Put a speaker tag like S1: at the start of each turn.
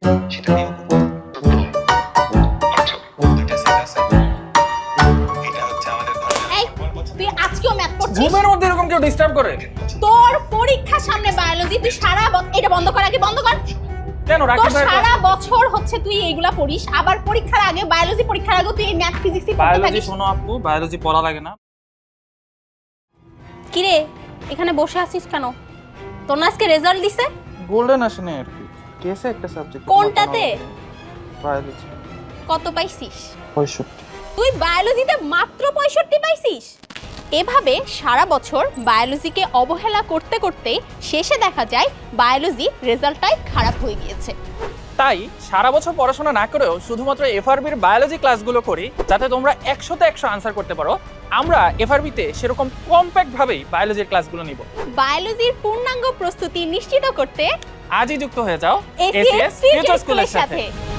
S1: সেটা নিয়েও খুব দুইটা সেট আছে। এটা হচ্ছে আমাদের
S2: এই তুই আজকেও ম্যাথ পড়ছিস?
S3: ঘুমের মধ্যে এরকম কেউ ডিস্টার্ব করে?
S2: তোর পরীক্ষা সামনে বায়োলজি, তুই সারা এটা বন্ধ কর, আগে বন্ধ কর।
S3: কেন
S2: তোর
S3: রাকিব ভাই
S2: সারা বছর হচ্ছে তুই এইগুলা পড়িস, আবার পরীক্ষার আগে বায়োলজি পরীক্ষার আগে তুই এই ম্যাথ ফিজিক্সই পড়তে
S3: বায়োলজি
S2: থাকিস।
S3: শোনো আপু, বায়োলজি পড়া লাগে না।
S2: কি রে এখানে বসে আছিস কেন? তোর না আজকে রেজাল্ট দিছে?
S4: গোল্ডেন আসে না আর কি, কেসে একটা সাবজেক্ট।
S2: কোনটাতে?
S4: বায়োলজি।
S2: কত পাইছিস?
S4: 65।
S2: তুই বায়োলজিতে মাত্র 65 পাইছিস? এভাবে সারা বছর বায়োলজিকে অবহেলা করতে করতে শেষে দেখা যায় বায়োলজি রেজাল্টটাই খারাপ হয়ে গিয়েছে।
S3: তাই সারা বছর পড়াশোনা না করেও শুধুমাত্র এফআরবির বায়োলজি ক্লাসগুলো করি, যাতে তোমরা 100তে 100 আনসার করতে পারো। আমরা এফআরবিতে সেরকম কম্প্যাক্ট ভাবেই বায়োলজির ক্লাসগুলো নিব।
S2: বায়োলজির পূর্ণাঙ্গ প্রস্তুতি নিশ্চিত করতে
S3: আজই যুক্ত হয়ে যাও
S2: এসিএস ফিউচার স্কুলের সাথে।